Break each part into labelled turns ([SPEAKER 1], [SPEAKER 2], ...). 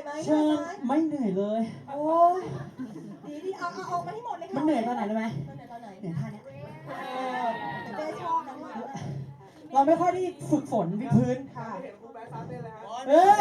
[SPEAKER 1] เชิญไม่เหนื่อยเลย
[SPEAKER 2] โอ้ยดีเอามาให้หมดเลยค่ะ
[SPEAKER 1] มันเหนื่อยตอนไหนรู้ไหม
[SPEAKER 2] มันเหนื่อยตอนไหน
[SPEAKER 1] เหนื่อยท่าเนี้ย
[SPEAKER 2] แต่เต้ชอบนะเนี่ย
[SPEAKER 1] เราไม่ค่อยได้ฝึกฝนวิดพื้น
[SPEAKER 2] ค่ะ
[SPEAKER 1] เออ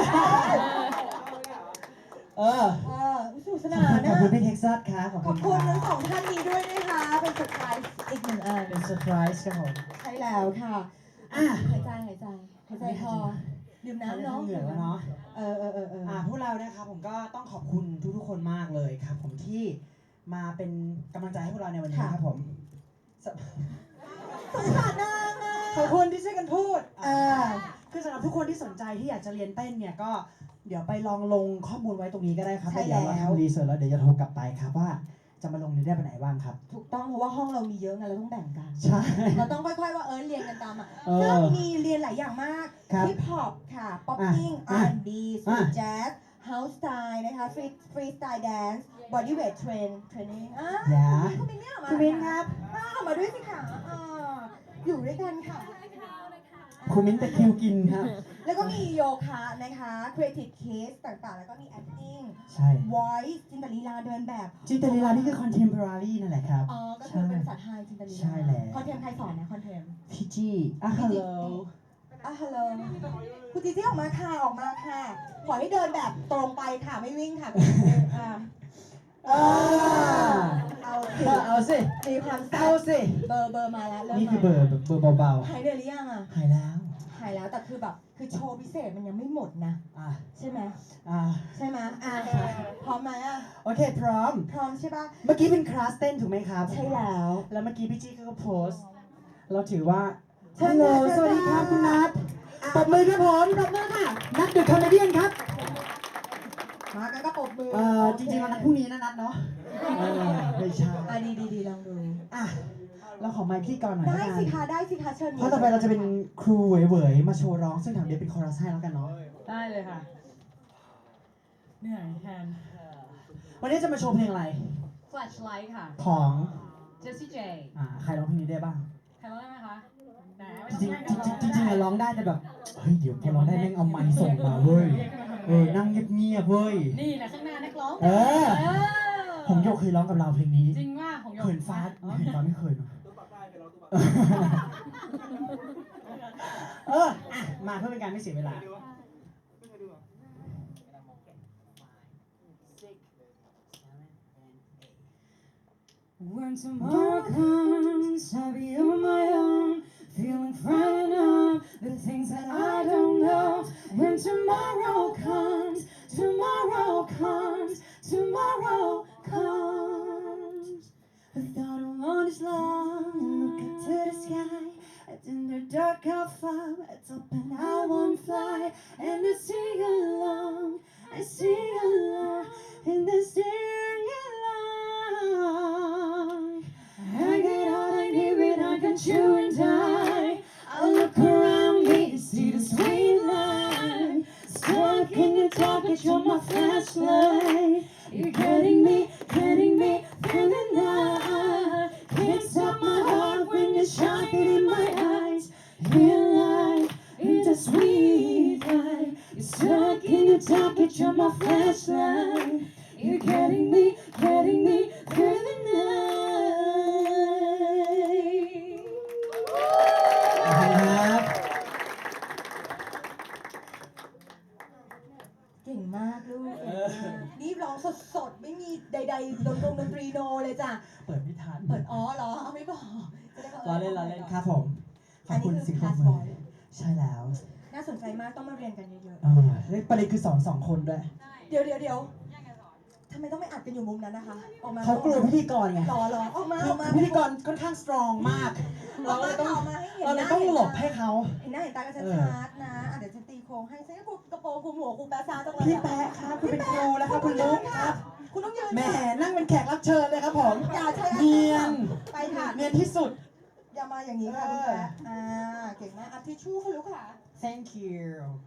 [SPEAKER 1] เออ
[SPEAKER 2] สนุกสนาน
[SPEAKER 1] ขอบ
[SPEAKER 2] นะ
[SPEAKER 1] คุณพี่เท็กซัสครับ
[SPEAKER 2] ขอบคุณทั้งสองท่านนี้ด้วยนะคะ เป็นเซอร์ไพรส์อีกหนึ่งอัน
[SPEAKER 1] เป็นเซอร์ไพรส์ครับผม
[SPEAKER 2] ใช่แล้วค่ะ
[SPEAKER 1] อ่ะ
[SPEAKER 2] หายใจพอดื่มน้ำเนาะ
[SPEAKER 1] เหนื่อยแล้วเนาะ พวกเรานะครับผมก็ต้องขอบคุณทุกๆคนมากเลยครับ ผมที่มาเป็นกำลังใจให้พวกเราในวันนี้ครับผม
[SPEAKER 2] สงสารนางอ่ะ
[SPEAKER 1] ขอบคุณที่ช่วยกันพูดคือสำหรับทุกคนที่สนใจที่อยากจะเรียนเต้นเนี่ยก็เดี๋ยวไปลองลงข้อมูลไว้ตรงนี้ก็ได้ครับ
[SPEAKER 2] ใช่แล้ว
[SPEAKER 1] เดี๋ยวเราทำรีเสิร์ชแล้วเดี๋ยวจะโทรกลับไปครับว่าจะมาลงนี้ได้ไปไหนบ้างครับ
[SPEAKER 2] ถูกต้องเพราะว่าห้องเรามีเยอะไงเราต้องแบ่งกัน
[SPEAKER 1] ใช่
[SPEAKER 2] เราต้องค่อยๆว่าเรียนกันตามอ่ะ
[SPEAKER 1] เออ
[SPEAKER 2] ซึ่งมีเรียนหลายอย่างมาก
[SPEAKER 1] ครับ
[SPEAKER 2] ฮิปฮอปค่ะป๊อปปิ้ง R&B สตรีทแจ๊สเฮาส์สไตล์นะคะฟรีสไตล์แดนซ์บอดี้เวทเทรนนิ่ง
[SPEAKER 1] อย่า
[SPEAKER 2] คุณมินเนี่ยมา
[SPEAKER 1] คุณมิ้นครับ
[SPEAKER 2] เอามาด้วยสิค่ะอยู่ด้วยกันค่ะ
[SPEAKER 1] คุณมิ้นตะคริวกินครับ
[SPEAKER 2] แล้วก็มีโยคะนะคะ creative case ต่างๆ แล้วก็มี acting
[SPEAKER 1] ใช่
[SPEAKER 2] voice จินตลีลาเดินแบบ
[SPEAKER 1] จินตลีลานี่คือ contemporary นั่นแหละครับ
[SPEAKER 2] ก็คือเป็นภาษาไทยจินตลีลา
[SPEAKER 1] ใช่แล้ว
[SPEAKER 2] คอนเทมใครสอนนะคอนเทม
[SPEAKER 1] พี่จี้ฮัลโหล
[SPEAKER 2] ฮัลโหลคุณจีจี้ออกมาค่ะขอให้เดินแบบตรงไปค่ะไม่วิ่งค่ะ
[SPEAKER 1] เอาสิ
[SPEAKER 2] มีความแซ่
[SPEAKER 1] เอา
[SPEAKER 2] บ
[SPEAKER 1] สิ
[SPEAKER 2] เบอร์มาแล้วเริ่ม
[SPEAKER 1] นี่คือเบอร์เบา
[SPEAKER 2] หายเหนื่อยหรือยังอ่ะ
[SPEAKER 1] ๆหายแล้ว
[SPEAKER 2] หายแล้วแต่คือแบบคือโชว์พิเศษมันยังไม่หมดนะ
[SPEAKER 1] อ่ะ
[SPEAKER 2] ใช่ไหม
[SPEAKER 1] อ่ะ
[SPEAKER 2] ใช่ไหมพร้อมไหมอ่ะ
[SPEAKER 1] โอเคพร้อม
[SPEAKER 2] พร้อมใช่ปะ
[SPEAKER 1] เมื่อกี้เป็นคลาสเต้นถูกไหมครับ
[SPEAKER 2] ใช่แล้ว
[SPEAKER 1] แล้วเมื่อกี้พี่จี้ก็โพสต์ เราถือว่า
[SPEAKER 2] เชิ
[SPEAKER 1] ฮั
[SPEAKER 2] ญ
[SPEAKER 1] ลโหล
[SPEAKER 2] ค่ะ
[SPEAKER 1] สวัสดีครับคุณนัทปรบมือครับผมปรบมือค่ะ นัทเดอะคอมเมดี้ครับ
[SPEAKER 2] มากันก็ปรบมือ
[SPEAKER 1] จริงๆวันนัดพรุ่งนี้นะนัทเนาะไม่ใช่
[SPEAKER 2] ดีลองดู
[SPEAKER 1] อ่ะ เราขอไมค์พี่ก่อนหน่อย
[SPEAKER 2] ได้สิคะเชิญ
[SPEAKER 1] เพราะต่อไปเราจะเป็นครูเหวยๆมาโชว์ร้อง ซึ่งแถวเดียวเป็นคอรัสให้แล้วกันเนาะ
[SPEAKER 3] ได้เลยค่ะ เหนื่อยแทน
[SPEAKER 1] วันนี้จะมาโชว์เพลงอะไร
[SPEAKER 3] Flashlight ค่ะ
[SPEAKER 1] ของ
[SPEAKER 3] Jessie J
[SPEAKER 1] ใครร้องเพลงนี้ได้บ้าง
[SPEAKER 3] ใครร้องได้ไหมคะไหน
[SPEAKER 1] จริงๆจริงๆอะร้องได้แต่แบบ เฮ้ย เดี๋ยวพอร้องได้แม่งเอาไมค์ส่งมาเว้ย นั่งเงียบๆเว้ย
[SPEAKER 3] นี่แหละข้างหน้านักร้อง
[SPEAKER 1] ผมโยกเคยร้องกับเราเพลงนี้
[SPEAKER 3] จริงว่าของโย
[SPEAKER 1] เขินฟ้าไม่เคยเนอะมาเพื่อเป็นการไม่เสียเวลา
[SPEAKER 3] When tomorrow comes, I'll be on my own, feeling frightened of the things that I don't know. When tomorrow comes, tomorrow comes, tomorrow comes. I thought I wanted is long and look up to the sky. In the dark I'll fly, it's up and I won't fly. And I sing along in the sing along. I get all I need when I can chew and die. I look around me to see the sweet light. Stuck in the dark, it's you're my flashlight. You're getting me through the night. Can't stop my heart when you're shining in my eyes. Real life, it's a sweet light. You're stuck in the dark, it's you're my flashlight. You're getting me through the night.
[SPEAKER 1] ครับ
[SPEAKER 2] เก่งมากลูกนี่ร้องสดๆไม่มีใดๆดนตรีโนเลยจ้ะ
[SPEAKER 1] เปิดไม่ทัน
[SPEAKER 2] เปิดเหรอเอาไม่บอกจะได้บอก
[SPEAKER 1] ล้อเล่นครับผม ขอบคุณสิ่งปรบมือใช่แล้ว
[SPEAKER 2] น่าสนใจมากต้องมาเรียนกันเยอะ
[SPEAKER 1] ประเด็นคือสอน2 คนด้วย
[SPEAKER 2] ๆเดี๋ยวทำไมต้องไม่อัดกันอยู่มุมนั้นนะคะออกมา
[SPEAKER 1] เขากลัวพิธีกรไง
[SPEAKER 2] รอออกมา
[SPEAKER 1] พิธีกรค่อนข้างสตรองมาก เราเลยต้องหลบให้เขา
[SPEAKER 2] เห็นหน้าเห็นตากันชัดๆนะเดี๋ยวฉันตีโค้งให้ฉันก็กระโปรงคลุมหัวคลุมแปะซาจังเลย
[SPEAKER 1] พี่แป๊ะครับคุณเป็นครูแล้วครับคุณลุกครับ
[SPEAKER 2] คุณต้องยืน
[SPEAKER 1] แหมนั่งเป็นแขกรับเชิญเลยครับผม
[SPEAKER 2] อย่าใช้
[SPEAKER 1] เนียน
[SPEAKER 2] ไปค่ะ
[SPEAKER 1] เนียนที่สุด
[SPEAKER 2] อย่ามาอย่างนี้ค่ะคุณแป๊ะเก่งมากทิชชู่ค่ะลูกค่ะ
[SPEAKER 1] thank you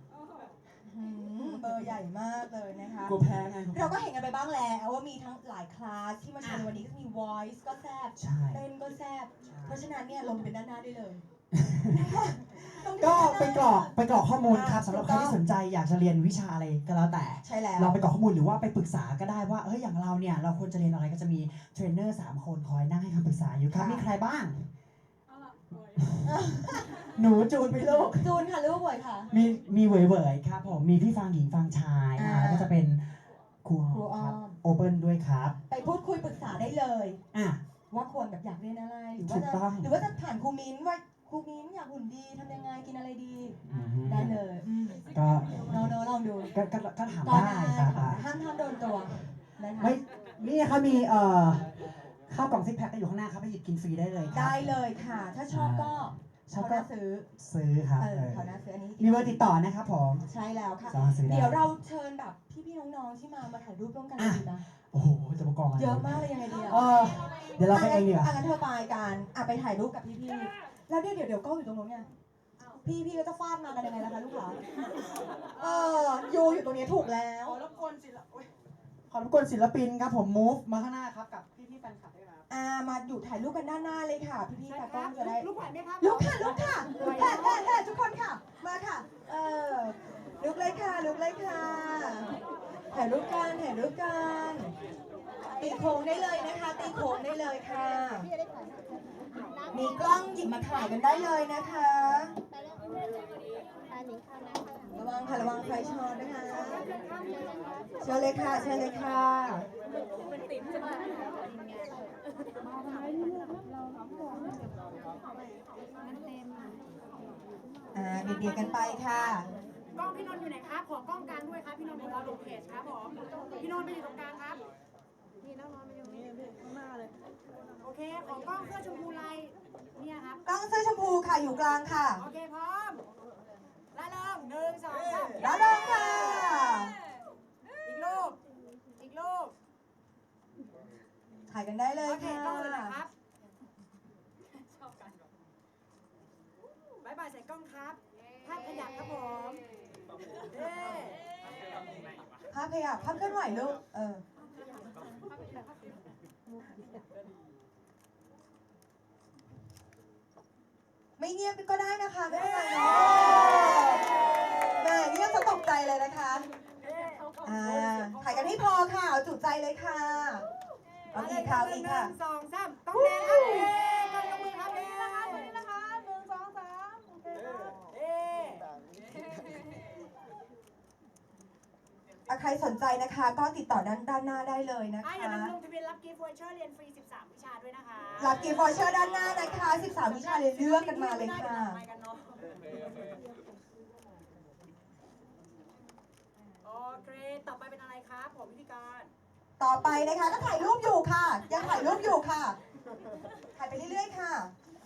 [SPEAKER 2] เบอร์ใหญ่มากเลยนะคะ
[SPEAKER 1] กลัวแพ้ไง
[SPEAKER 2] เราก็เห็นกันไปบ้างแล้วว่ามีทั้งหลายคลาสที่มาโชว์ในวันนี้ก็มี voice ก็แซ่บ
[SPEAKER 1] ใช่
[SPEAKER 2] เต้นก็แซ่บเพราะฉะนั้นเนี่ยลงไปเป็นด้านหน้าได้เลย
[SPEAKER 1] ก็ไปกรอกข้อมูลครับสำหรับใครที่สนใจอยากจะเรียนวิชาอะไรก็แล้วแต่
[SPEAKER 2] ใช่แล้ว
[SPEAKER 1] เราไปกรอกข้อมูลหรือว่าไปปรึกษาก็ได้ว่าอย่างเราเนี่ยเราควรจะเรียนอะไรก็จะมีเทรนเนอร์3 คนคอยนั่งให้คำปรึกษาอยู่ครับมีใครบ้าง หนูจูนไปลูก
[SPEAKER 2] จูนค่ะลูกบ่อยค่ะ
[SPEAKER 1] มีเหวยๆครับผมมีพี่ฟังหญิงฟังชายแล้วก็จะเป็นครู
[SPEAKER 2] ครูอ้อม
[SPEAKER 1] ครับโอเปิลด้วยครับ
[SPEAKER 2] ไปพูดคุยปรึกษาได้เลย
[SPEAKER 1] อ่ะ
[SPEAKER 2] ว่าควรแบบอยากเรียนอะไรหรือ
[SPEAKER 1] ถู
[SPEAKER 2] ว่าก จะ
[SPEAKER 1] ต้อง
[SPEAKER 2] หรือว่าจะผ่านครูมิ้นว่าครูมิ้นอยากหุ่นดีทำยังไงกินอะไรดี
[SPEAKER 1] อืม
[SPEAKER 2] ได้เลย
[SPEAKER 1] ก็
[SPEAKER 2] โนลองดู
[SPEAKER 1] ก็ถาม
[SPEAKER 2] ก็
[SPEAKER 1] ได้
[SPEAKER 2] ได้
[SPEAKER 1] ครับ
[SPEAKER 2] ค่ะห้ามโดนตัวนะคะ
[SPEAKER 1] ไม่นี่เขามีข้าวกล่องซิกแพคก็อยู่ข้างหน้าครับไปหยิบกินฟรีได้เลยครับ
[SPEAKER 2] ได้เลยค่ะ ถ้าชอบก็
[SPEAKER 1] ชอบ
[SPEAKER 2] เขา
[SPEAKER 1] ก็
[SPEAKER 2] น่าซื้อ
[SPEAKER 1] ซื้อครับ
[SPEAKER 2] เขาน่าซื้ออันนี้
[SPEAKER 1] มีเบอร์ติดต่อนะครับผม
[SPEAKER 2] ใช่แล้วค่ะ
[SPEAKER 1] สามารถซื้อได้
[SPEAKER 2] เดี๋ยวเราเชิญแบบพี่ๆน้องๆที่มาถ่ายรูปร่วมกันเลยดีนะ
[SPEAKER 1] โอ้โหจะประกอบอะไร
[SPEAKER 2] เยอะมากเลยยังไงดี
[SPEAKER 1] เดี๋ยวเราไปเองดีกว่า
[SPEAKER 2] งั้นเธอไปกันไปถ่ายรูปกับพี่ๆแล้วเดี๋ยวกล้องอยู่ตรงนู้นไงพี่ก็จะฟาดมากันยังไงล่ะคะลูกค้าอยู่ตรงนี้ถูกแล้ว
[SPEAKER 1] ขอรบกวนศิลปินครับผม move มาข้างหน้าครับกับพี่แฟนคลับด้วยครับ
[SPEAKER 2] มาอยู่ถ่ายรูปกันด้านหน้าเลยค่ะ พี่ๆตากล้องจะได้
[SPEAKER 3] ลูกไหวไหมครับ
[SPEAKER 2] ลุกค่ะทุกคนค่ะ มาค่ะ ลุกเลยค่ะถ่ายรูปกันตีโค้งได้เลยนะคะ ตีโค้งได้เลยค่ะ มีกล้องหยิบมาถ่ายกันได้เลยนะคะ ระวังไฟช็อตนะคะเชิญเลยค่ะเบียดกันไปค่ะ
[SPEAKER 3] กล้องพี่นนท์อยู่ไหนครับ ขอกล้องกลางด้วยครับ พี่นนท์ของเราลงเพจครับผม พี่นนท์ไปอยู่ตรงกลางครับ นี่น้องๆมาอยู่นี่ข้างหน้าเลย โอเค ของกล้องเสื้อชมพูลายเนี่ยครับ
[SPEAKER 2] กล้องเสื้อชมพูค่ะอยู่กลางค่ะ
[SPEAKER 3] โอเคพร้อมแล้วลง1 2 3
[SPEAKER 2] แล้วลงค่ะ
[SPEAKER 3] อีกรูป
[SPEAKER 2] ถ่ายกันได้เลย
[SPEAKER 3] โอเค
[SPEAKER 2] ค่ะ
[SPEAKER 3] กล้องเลยนะครับชอบกันบายบายใส่กล้องครับภาพขยับครับผมเย้
[SPEAKER 2] ภาพเคลื่อนไหวลูกไม่เงียบก็ได้นะคะไม่เป็นไรเนาะแม่เงียบจะตกใจเลยนะคะถ่ายกันให้พอค่ะเอาจุใจเลยค่ะเอาอีกค่ะ
[SPEAKER 3] 1 2 3ต้องแดงครับเย้ต้องยกมือครับเย้นี่นะคะ1 2 3โอเคเย้
[SPEAKER 2] ใครสนใจนะคะก็ติดต่อด้านหน้าได้เลยนะคะ
[SPEAKER 3] อย่าลืมลงทะเบียนรับกิฟต์วอเชอร์เรียนฟรี13 วิชาด้วยนะคะ
[SPEAKER 2] รับกิฟต์วอเชอร์ด้านหน้านะคะ13วิชาเรียนเลือกกันมาเลยค่ะ
[SPEAKER 3] โอเค ต่อไปเป็นอะไรครับผมพิธีกร
[SPEAKER 2] ต่อไปนะคะก็ถ่ายรูปอยู่ค่ะ ยังถ่ายรูปอยู่ค่ะ ถ่ายไปเรื่อยๆค่ะ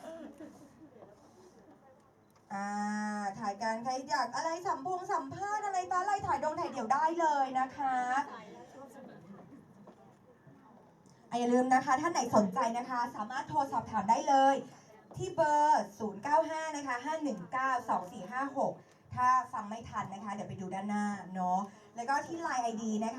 [SPEAKER 2] ถ่ายกันใครอยากอะไรสัมภาษณ์อะไรต่ออะไรถ่ายเดี่ยวได้เลยนะคะอย่าลืมนะคะท่านไหนสนใจนะคะสามารถโทรสอบถามได้เลยที่เบอร์ 095 นะคะ 5192456 ถ้าฟังไม่ทันนะคะเดี๋ยวไปดูด้านหน้าเนาะแล้วก็ที่ Line ID นะคะ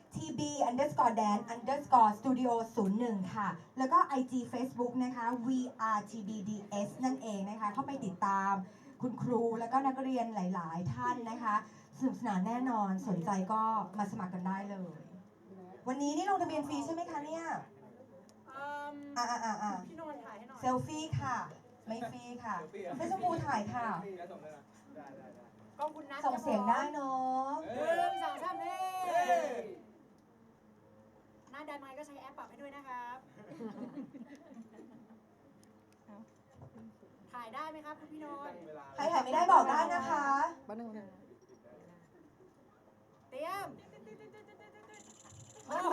[SPEAKER 2] tb_dance_studio01 ค่ะแล้วก็ IG Facebook นะคะ vrtbds นั่นเองนะคะเข้าไปติดตามคุณครูแล้วก็นักเรียนหลายๆท่านนะคะสนุกสนานแน่นอนสนใจก็มาสมัครกันได้เลยวันนี้นี่ลงทะเบียนฟรีใช่ไหมคะเนี่ย
[SPEAKER 3] พี่นนท์ถ่ายให้หน่อย
[SPEAKER 2] เซลฟี่ค่ะไม่ฟรีค่ะเฟซบุ๊กถ่ายค่ะ
[SPEAKER 3] กล้องคุณนัท
[SPEAKER 2] ส่งเสียงได้เนาะ
[SPEAKER 3] 1 2 3เฮ้หน้าดันไมค์ก็ใช้แอปปรับให้ด้วยนะครับ ถ่ายได้ไหมครับคุณพี่นนท์
[SPEAKER 2] ใครถ่ายไม่ได้บอกได้นะคะ
[SPEAKER 3] เตรียม
[SPEAKER 2] โอ้โห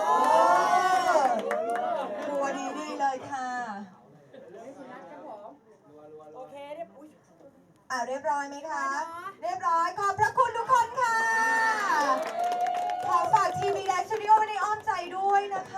[SPEAKER 2] ตัวดีเลยค่ะ
[SPEAKER 3] โอเคเรียบ
[SPEAKER 2] เรียบร้อยไหมคะ เรียบร้อยขอบพระคุณทุกคนค่ะ